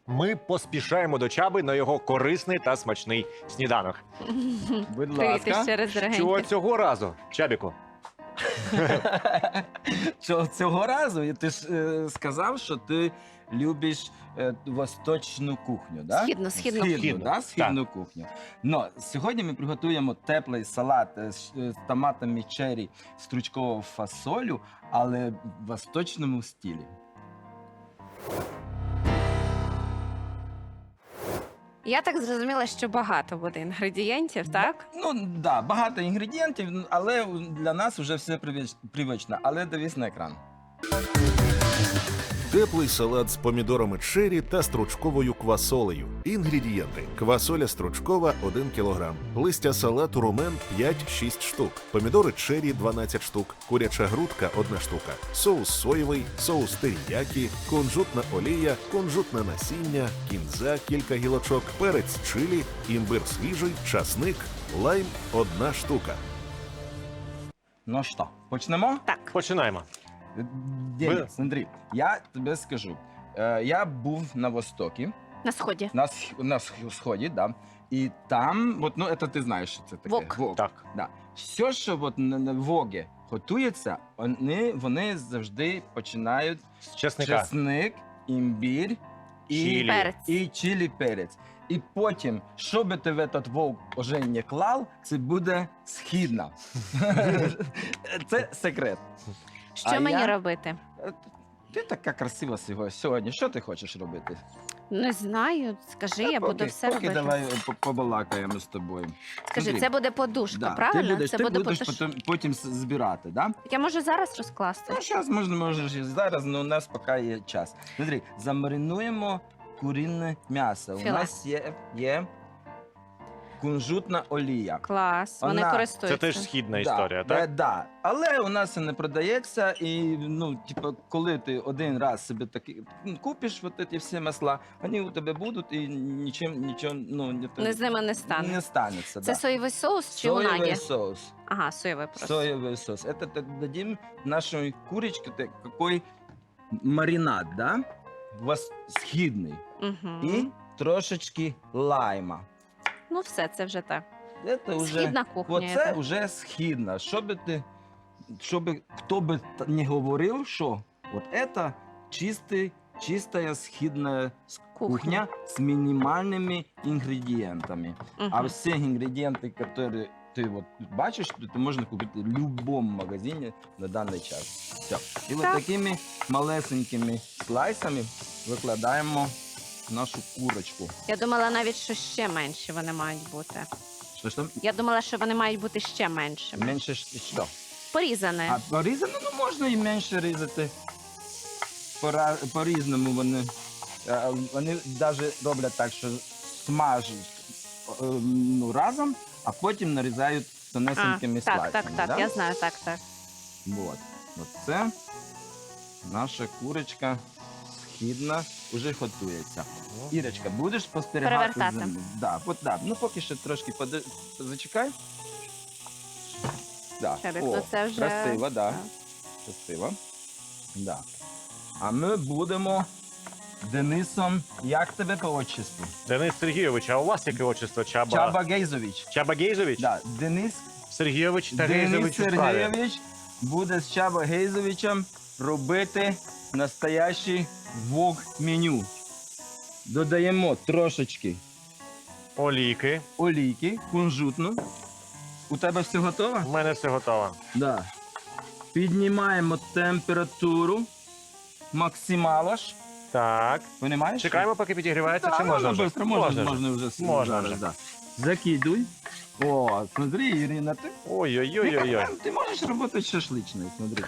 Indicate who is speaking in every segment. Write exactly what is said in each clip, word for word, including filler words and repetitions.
Speaker 1: Ми поспішаємо до Чаби на його корисний та смачний сніданок.
Speaker 2: Будь
Speaker 3: Привіт
Speaker 2: ласка.
Speaker 3: ще раз,
Speaker 1: Що
Speaker 3: дорогенькі.
Speaker 1: цього разу, Чабіку?
Speaker 2: Що цього разу ти ж е, сказав, що ти любиш е, восточну кухню, да?
Speaker 3: Східну, східну.
Speaker 2: Східну,
Speaker 1: Східну,
Speaker 2: да? Східну кухню. Но сьогодні ми приготуємо теплий салат е, з, е, з томатами черрі, стручковою фасолю, але в восточному стилі.
Speaker 3: Я так зрозуміла, що багато буде інгредієнтів, так?
Speaker 2: Ну, да, багато інгредієнтів, але для нас вже все привич- привично. Але дивись на екран.
Speaker 4: Теплий салат з помідорами черрі та стручковою квасолею. Інгредієнти: квасоля стручкова – один кілограм, листя салату румен – п'ять-шість штук, помідори черрі – дванадцять штук, куряча грудка – одна штука, соус соєвий, соус теріякі, кунжутна олія, кунжутне насіння, кінза – кілька гілочок, перець чилі, імбир свіжий, часник, лайм – одна штука.
Speaker 2: Ну що, почнемо?
Speaker 3: Так.
Speaker 1: Починаємо.
Speaker 2: Денис, Андрій, я тобі скажу. Е, я був на Востокі,
Speaker 3: На сході.
Speaker 2: на, сх- на сх- сході, да. І там, от, ну, це ти знаєш, що це таке.
Speaker 3: Вок.
Speaker 2: Вок.
Speaker 1: Так.
Speaker 2: Да. Все, що от на, на вогі готується, вони, вони завжди починають
Speaker 1: З чесника.
Speaker 2: чесник, імбір і,
Speaker 1: Чилі.
Speaker 3: Перець.
Speaker 2: і чилі перець. І потім, що би ти в этот вовк уже не клав, це буде східна. Це секрет.
Speaker 3: Що
Speaker 2: А
Speaker 3: мені
Speaker 2: я-
Speaker 3: робити?
Speaker 2: Е, Ти така красива сього- сьогодні. Що ти хочеш робити?
Speaker 3: Не знаю. Скажи, я
Speaker 2: Поки-
Speaker 3: буду все
Speaker 2: поки
Speaker 3: робити.
Speaker 2: давай е, по- побалакаємо з тобою.
Speaker 3: Скажи,
Speaker 2: Андрій,
Speaker 3: це буде подушка,
Speaker 2: Да,
Speaker 3: правильно?
Speaker 2: Ти будеш,
Speaker 3: це
Speaker 2: ти
Speaker 3: буде
Speaker 2: будеш
Speaker 3: подушка.
Speaker 2: потім, потім з- збирати, да?
Speaker 3: Я можу зараз розкласти.
Speaker 2: Ну, зараз можна, можеш і зараз, але у нас поки є час. Смотри, замаринуємо курінне м'ясо.
Speaker 3: Філе.
Speaker 2: У нас є, є кунжутна олія.
Speaker 3: Клас. Вони
Speaker 2: Вона-
Speaker 1: Це
Speaker 3: користуються.
Speaker 1: теж східна
Speaker 2: Да,
Speaker 1: історія,
Speaker 2: да,
Speaker 1: так?
Speaker 2: да. Але у нас це не продається, і ну, типу, коли ти один раз собі такі ну, купиш от ці всі масла, вони у тебе будуть і нічим нічого ну, не,
Speaker 3: Не з ними не стане.
Speaker 2: не станеться.
Speaker 3: Це
Speaker 2: да.
Speaker 3: соєвий соус чи
Speaker 2: Соєвий
Speaker 3: унагі?
Speaker 2: соус.
Speaker 3: Ага, соєвий просто.
Speaker 2: Соевый соус. Это т- дадим нашей курочке та- какой маринад, да? Вос- Східний.
Speaker 3: Угу.
Speaker 2: І трошечки лайма.
Speaker 3: Ну все, це вже так.
Speaker 2: Это уже,
Speaker 3: Східна кухня.
Speaker 2: оце
Speaker 3: це.
Speaker 2: вже східна. Що би ти, що би, хто би та- не говорив, що от это чистий, чистая східна с-
Speaker 3: Кухня.
Speaker 2: кухня з мінімальними інгредієнтами.
Speaker 3: Мгм.
Speaker 2: А все ингредиенты, которые ты вот бачишь, это можно купить в любом магазине на данный час. Все. И вот
Speaker 3: Так.
Speaker 2: такими малесенькими слайсами викладаємо нашу курочку.
Speaker 3: Я думала навіть, що ще менші вони мають бути.
Speaker 2: Що ж там?
Speaker 3: Я думала, що вони мають бути ще меншими.
Speaker 2: Менше щ- що?
Speaker 3: Порізане.
Speaker 2: А порізано, ну можна і менше різати. Пора, по-різному вони. е, Вони навіть роблять так, що смажуть е, ну, разом, а потім нарізають
Speaker 3: А,
Speaker 2: тонесенькими
Speaker 3: так,
Speaker 2: слайсами.
Speaker 3: так, так,
Speaker 2: да?
Speaker 3: я знаю, так, так.
Speaker 2: Вот. Вот це наша курочка східна вже готується. Ірочка, будеш спостерігати?
Speaker 3: Перевертати.
Speaker 2: за ним? Да, от, да. Ну поки що трошки поди... зачекай. Да.
Speaker 3: Чабік,
Speaker 2: О,
Speaker 3: ну це вже-
Speaker 2: красиво, да.
Speaker 3: Так.
Speaker 2: Красиво. Да. А ми будемо Денисом, як тебе по отчеству?
Speaker 1: Денис Сергійович, а у вас яке отчество? Чаба...
Speaker 2: Чаба Гейзович.
Speaker 1: Чаба Гейзович?
Speaker 2: Да. Денис
Speaker 1: Сергійович та
Speaker 2: Денис
Speaker 1: Гейзович у справі.
Speaker 2: Сергійович буде з Чаба Гейзовичем робити настоящий вок-меню. Додаємо трошечки
Speaker 1: Олійки.
Speaker 2: олійки, кунжутну. У тебе все готово?
Speaker 1: У мене все готово.
Speaker 2: Да. Піднімаємо температуру максималаш.
Speaker 1: Так.
Speaker 2: Понімаєш?
Speaker 1: Чекаємо, поки підігрівається,
Speaker 2: Да,
Speaker 1: чи можна
Speaker 2: можна
Speaker 1: вже?
Speaker 2: быстро, можна,
Speaker 1: вже.
Speaker 2: можна вже. с-
Speaker 1: Можна
Speaker 2: зараз,
Speaker 1: вже.
Speaker 2: да. Закидуй. О, смотри, Ірина, ти,
Speaker 1: Ой-ой-ой-ой.
Speaker 2: ти можеш робити шашличною, смотри.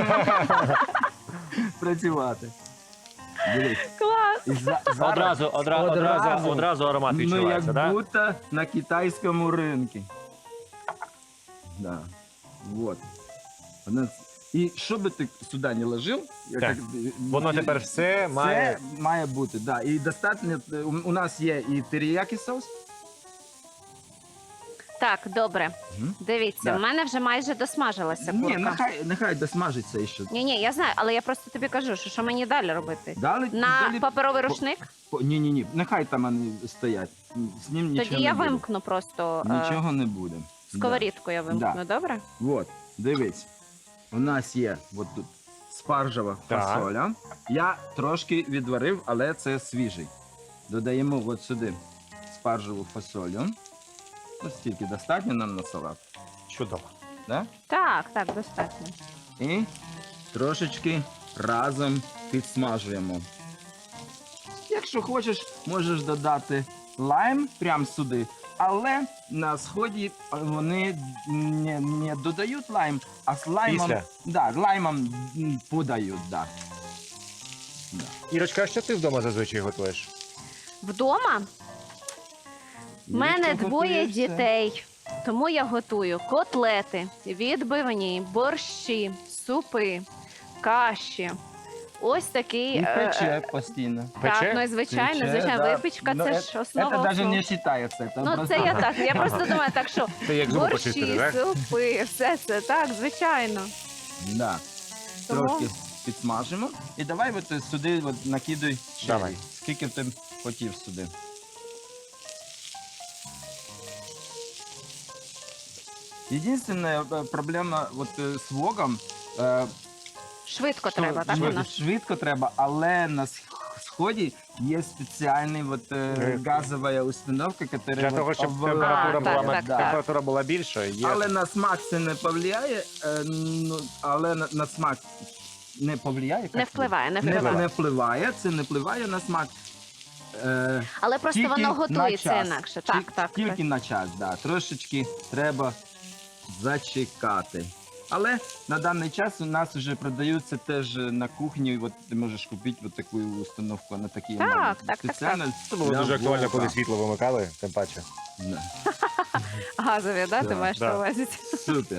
Speaker 2: Працювати. Дивись.
Speaker 3: Клас!
Speaker 2: І за- зараз
Speaker 1: Одразу, одра, одразу,
Speaker 2: Одразу.
Speaker 1: одразу аромат
Speaker 2: ми
Speaker 1: відчувається,
Speaker 2: як
Speaker 1: так?
Speaker 2: будто на китайському ринку. Да. Вот. Вона- І що би ти сюди не ложив, я
Speaker 1: Так.
Speaker 2: як-
Speaker 1: Воно тепер все має...
Speaker 2: Це має бути, да. І достатньо, у у нас є і теріякі соус.
Speaker 3: Так, добре.
Speaker 2: Мгм.
Speaker 3: Дивіться,
Speaker 2: Да.
Speaker 3: в мене вже майже досмажилася
Speaker 2: Ні,
Speaker 3: курка.
Speaker 2: нехай, нехай досмажиться ще.
Speaker 3: Ні, ні, я знаю, але я просто тобі кажу, що, що мені далі робити.
Speaker 2: Далі,
Speaker 3: На
Speaker 2: далі...
Speaker 3: паперовий рушник?
Speaker 2: Ні, ні, ні, нехай там вони стоять. З ним нічого
Speaker 3: Тоді я
Speaker 2: не буде.
Speaker 3: вимкну просто е,
Speaker 2: Нічого не буде.
Speaker 3: сковорідку, я вимкну,
Speaker 2: Да.
Speaker 3: добре?
Speaker 2: От, дивись. У нас є от тут спаржева
Speaker 1: Так.
Speaker 2: фасоля. Я трошки відварив, але це свіжий. Додаємо от сюди спаржеву фасолю. Ось стільки достатньо нам на салат.
Speaker 1: Чудово.
Speaker 2: Да?
Speaker 3: Так, так, достатньо.
Speaker 2: І трошечки разом підсмажуємо. Якщо хочеш, можеш додати лайм прямо сюди, але на сході вони не, не додають лайм, а з лаймом,
Speaker 1: Після?
Speaker 2: да, лаймом м, подають. Да. Да.
Speaker 1: Ірочка, а що ти вдома зазвичай готуєш?
Speaker 3: Вдома в мене
Speaker 2: Якщо
Speaker 3: двоє
Speaker 2: готуєш, це-
Speaker 3: дітей, тому я готую котлети, відбивні, борщі, супи, каші. Ось такий.
Speaker 2: І
Speaker 3: е,
Speaker 2: пече постійно.
Speaker 1: Пече?
Speaker 3: Так, ну і звичайно,
Speaker 2: Пече,
Speaker 3: звичайно,
Speaker 2: да.
Speaker 3: випічка
Speaker 2: Ну,
Speaker 3: це
Speaker 2: е-
Speaker 3: ж основа.
Speaker 2: Це навіть
Speaker 3: основ.
Speaker 2: не вважається. Це
Speaker 3: Ну,
Speaker 2: просто...
Speaker 3: це я так. Я просто думаю, так що
Speaker 1: Це як зуби почистити,
Speaker 3: борщі,
Speaker 1: так?
Speaker 3: супи, все це так, звичайно.
Speaker 2: Да.
Speaker 3: Тому-
Speaker 2: Трошки підсмажимо. І давай от сюди от накидай черрі.
Speaker 1: Давай.
Speaker 2: Скільки ти хотів сюди. Єдине проблема от, е, з вогом, е,
Speaker 3: Швидко
Speaker 2: що
Speaker 3: треба, так у
Speaker 2: швидко,
Speaker 3: нас?
Speaker 2: швидко треба, але на сх- сході є спеціальний от, е,
Speaker 1: Е,
Speaker 2: газова установка, яка
Speaker 1: Для того, щоб
Speaker 2: обва-
Speaker 1: температура
Speaker 3: А,
Speaker 1: була,
Speaker 3: так,
Speaker 1: ме-
Speaker 3: так,
Speaker 2: да.
Speaker 3: так.
Speaker 1: температура була більша, є.
Speaker 2: Але на смак це не повлияє, е, ну, але на, на смак не повлияє. як
Speaker 3: Не
Speaker 2: це?
Speaker 3: впливає, не
Speaker 2: Не,
Speaker 3: впливає.
Speaker 2: не впливає, це не впливає на смак. Е,
Speaker 3: Але просто
Speaker 2: тільки
Speaker 3: воно
Speaker 2: на
Speaker 3: готується
Speaker 2: час.
Speaker 3: інакше.
Speaker 2: Ті-
Speaker 3: Так, так.
Speaker 2: Тільки
Speaker 3: так.
Speaker 2: на час, да. Трошечки треба зачекати. Але на даний час у нас вже продаються теж на кухні. От ти можеш купити от таку установку на такі
Speaker 3: Так,
Speaker 2: маленькі.
Speaker 3: так, так,
Speaker 2: спеціально
Speaker 1: Це було
Speaker 2: для
Speaker 1: дуже актуально,
Speaker 2: вовка.
Speaker 1: коли світло вимикали, тим паче.
Speaker 2: Да.
Speaker 3: Газові, да, ти
Speaker 2: Да,
Speaker 3: маєш
Speaker 1: да.
Speaker 3: на увазі?
Speaker 2: Супер.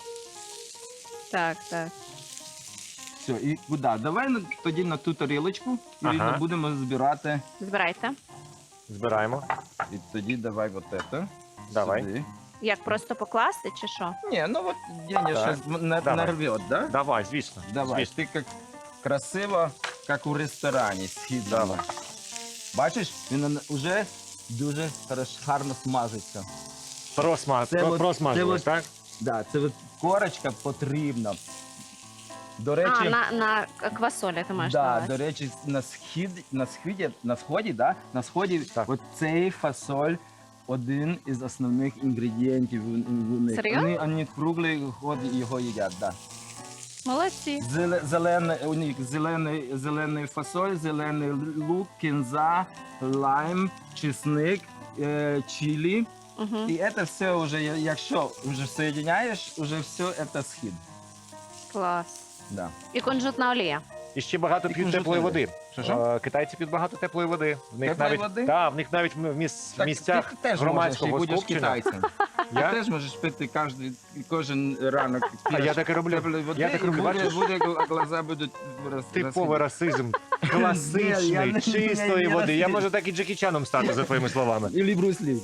Speaker 3: Так, так.
Speaker 2: Все, і куди? Давай на- тоді на ту тарілочку і
Speaker 1: Ага.
Speaker 2: будемо збирати.
Speaker 3: Збирайте.
Speaker 1: Збираємо.
Speaker 2: І тоді давай от це.
Speaker 1: Давай.
Speaker 2: Сюди.
Speaker 3: Як просто покласти чи що?
Speaker 2: Ні, ну от Деня
Speaker 1: Так.
Speaker 2: зараз на,
Speaker 1: Давай.
Speaker 2: нарвет, да?
Speaker 1: Давай, звісно.
Speaker 2: Давай,
Speaker 1: Звісно.
Speaker 2: ти як красиво, як у ресторані, східно.
Speaker 1: Давай.
Speaker 2: Бачиш, він вже дуже хорошо, гарно смажиться.
Speaker 1: Просма...
Speaker 2: Це
Speaker 1: про-
Speaker 2: от-
Speaker 1: Просмажилось,
Speaker 2: це от-
Speaker 1: так?
Speaker 2: Да, це от корочка потрібна. До речі,
Speaker 3: А, на, на квасолі ти маєш на
Speaker 2: да,
Speaker 3: увазі.
Speaker 2: до речі, на схід, на сході, на сході, да, на сході
Speaker 1: Так.
Speaker 2: от цей фасоль один із основних інгредієнтів у, у них.
Speaker 3: Серйозно?
Speaker 2: Вони, вони круглий год його їдять, да.
Speaker 3: Молодці.
Speaker 2: Зеле- Зелений, у них зелений, зелений фасоль, зелений лук, кінза, лайм, чесник, е, чилі.
Speaker 3: Угу.
Speaker 2: І це все вже, я- якщо вже соєдиняєш, вже все це схід.
Speaker 3: Клас.
Speaker 2: Да.
Speaker 3: І кунжутна олія.
Speaker 1: І ще багато
Speaker 2: І
Speaker 1: п'ють
Speaker 2: кунжутна
Speaker 1: теплої
Speaker 2: олія.
Speaker 1: води.
Speaker 2: Що, що?
Speaker 1: Е, Китайці п'ють багато теплої води. В них
Speaker 2: Теплої
Speaker 1: навіть,
Speaker 2: води?
Speaker 1: Да, в них навіть в міс- в місцях
Speaker 2: ти теж
Speaker 1: громадського
Speaker 2: можеш, і будеш
Speaker 1: скупчення.
Speaker 2: китайцем.
Speaker 1: Я?
Speaker 2: Ти теж можеш пити кожен, кожен ранок.
Speaker 1: А я так і роблю.
Speaker 2: теплої води,
Speaker 1: Я так
Speaker 2: і
Speaker 1: роблю,
Speaker 2: буде,
Speaker 1: бачиш?
Speaker 2: буде, глаза будуть роз-
Speaker 1: Типовий расизм.
Speaker 2: Ні, я
Speaker 1: Класичний,
Speaker 2: не-
Speaker 1: чистої
Speaker 2: я не
Speaker 1: води. Я
Speaker 2: расист.
Speaker 1: можу так і Джекі Чаном стати, за твоїми словами.
Speaker 2: Или Брюс Ли.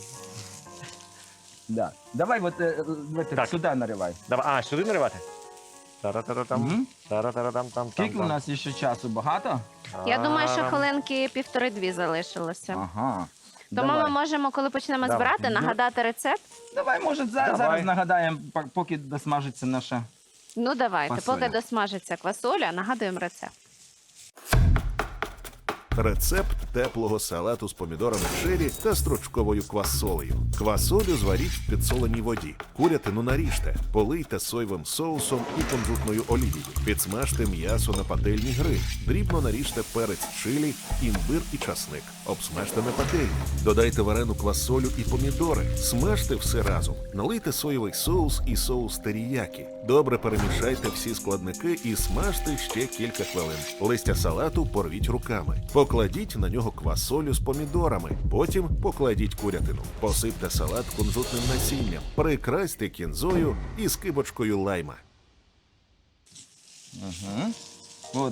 Speaker 2: Да. Давай вот э, в это,
Speaker 1: Так.
Speaker 2: сюда наливай.
Speaker 1: Давай, а, сюди наривати? Тара-тара-там,
Speaker 2: Мгм.
Speaker 1: тара-тара-там-там.
Speaker 2: Скільки у нас ще часу? Багато?
Speaker 3: Я думаю, що
Speaker 1: Тарам.
Speaker 3: хвилинки півтори-дві залишилося.
Speaker 2: Ага.
Speaker 3: Тому
Speaker 2: Давай.
Speaker 3: ми можемо, коли почнемо
Speaker 1: Давай.
Speaker 3: збирати, нагадати рецепт.
Speaker 2: Давай, може, за,
Speaker 1: Давай.
Speaker 2: зараз нагадаємо, пок- поки досмажиться наша.
Speaker 3: Ну давайте,
Speaker 2: Квасоля.
Speaker 3: поки досмажиться квасоля, нагадуємо рецепт.
Speaker 4: Рецепт теплого салату з помідорами чері та стручковою квасолею. Квасолю зваріть в підсоленій воді. Курятину наріжте, полийте соєвим соусом і кунжутною олією. Підсмажте м'ясо на пательній гриль. Дрібно наріжте перець чилі, імбир і часник. Обсмажте на пательні. Додайте варену квасолю і помідори. Смажте все разом. Налийте соєвий соус і соус теріякі. Добре перемішайте всі складники і смажте ще кілька хвилин. Листя салату порвіть руками. Покладіть на нього квасолю з помідорами. Потім покладіть курятину. Посипте салат кунжутним насінням. Прикрасьте кінзою і скибочкою лайма.
Speaker 2: Угу. От,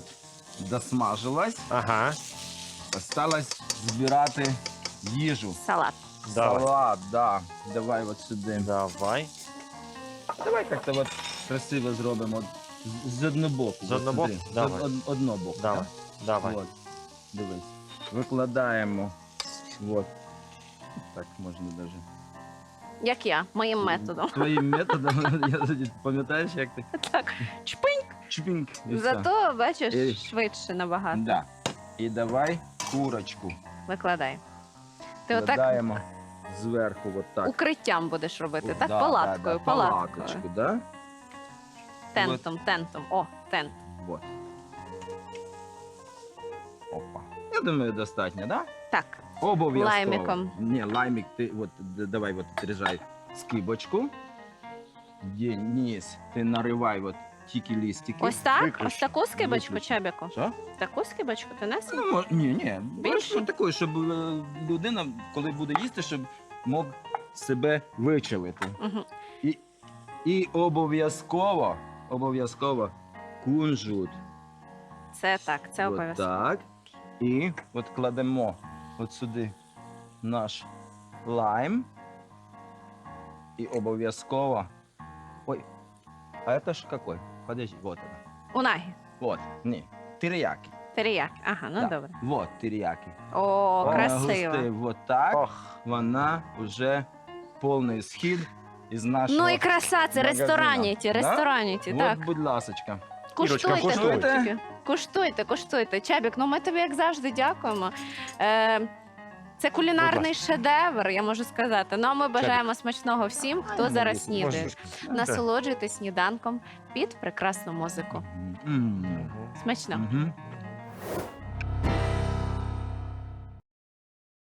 Speaker 2: досмажилась.
Speaker 1: Ага.
Speaker 2: Осталось збирати їжу.
Speaker 3: Салат.
Speaker 1: Давай.
Speaker 2: Салат, да. Давай от сюди.
Speaker 1: Давай.
Speaker 2: Давай як-то от красиво зробимо. От з- З одного боку.
Speaker 1: З
Speaker 2: от
Speaker 1: одного
Speaker 2: сюди.
Speaker 1: боку?
Speaker 2: З
Speaker 1: Давай.
Speaker 2: од- одного боку.
Speaker 1: Давай.
Speaker 2: так?
Speaker 1: Давай.
Speaker 2: От. Дивись. Викладаємо. От. Так можна навіть.
Speaker 3: Як я, моїм методом.
Speaker 2: Твоїм методом, я тоді- пам'ятаєш, як ти?
Speaker 3: Так, чпинь.
Speaker 2: Чпінг. і все.
Speaker 3: Зато, бачиш,
Speaker 2: І-
Speaker 3: швидше набагато.
Speaker 2: Да. І давай курочку.
Speaker 3: Викладай. Ти отак
Speaker 2: Викладаємо зверху, от так.
Speaker 3: укриттям будеш робити,
Speaker 2: От,
Speaker 3: так?
Speaker 2: да,
Speaker 3: Палаткою,
Speaker 2: да, да,
Speaker 3: палаткою.
Speaker 2: палаточку, да?
Speaker 3: Тентом, тентом. О, тент.
Speaker 2: Вот. Опа. Я думаю, достатньо, да?
Speaker 3: Так.
Speaker 2: Обов'язково.
Speaker 3: Лаймиком.
Speaker 2: Ні, лаймик, ти от, д- давай от отрізай скибочку. Є, низ, ти наривай от тільки листики.
Speaker 3: Ось так?
Speaker 1: Виключно.
Speaker 3: Ось таку скибочку,
Speaker 2: Виключно.
Speaker 3: Чебіку?
Speaker 2: Що?
Speaker 3: Таку скибочку ти несеш?
Speaker 2: Ну, мож- ні, ні.
Speaker 3: Більше?
Speaker 2: Ось такою, щоб е, людина, коли буде їсти, щоб мог себе вичавити.
Speaker 3: Угу.
Speaker 2: І, і обов'язково, обов'язково кунжут.
Speaker 3: Це так, це
Speaker 2: От
Speaker 3: обов'язково.
Speaker 2: так. І от кладемо от сюди наш лайм. І обов'язково. Ой, а це ж какой? Подожди, вот она.
Speaker 3: Унагі.
Speaker 2: Вот, ні, терияки.
Speaker 3: Теріяки. Ага, ну
Speaker 2: Да.
Speaker 3: добре.
Speaker 2: Вот терияки.
Speaker 3: О,
Speaker 2: Вона
Speaker 3: красиво.
Speaker 2: густає Вот так.
Speaker 1: Ох.
Speaker 2: Вона вже повний схід із нашого.
Speaker 3: Ну і краса, це
Speaker 2: магазина.
Speaker 3: рестораніті,
Speaker 2: Да?
Speaker 3: рестораніті,
Speaker 2: От,
Speaker 3: так.
Speaker 2: будь ласочка.
Speaker 3: Куштуйте,
Speaker 1: куштуй.
Speaker 3: хлопчики. Куштуйте, куштуйте. Чебік, ну ми тобі, як завжди, дякуємо. Е, це кулінарний шедевр, я можу сказати. Ну а ми бажаємо смачного всім, хто
Speaker 2: ну,
Speaker 3: зараз
Speaker 2: можеш.
Speaker 3: снідає.
Speaker 1: Можеш.
Speaker 3: Насолоджуйтесь сніданком під прекрасну музику.
Speaker 2: М.
Speaker 1: Мгм.
Speaker 3: Смачного.
Speaker 2: Мгм.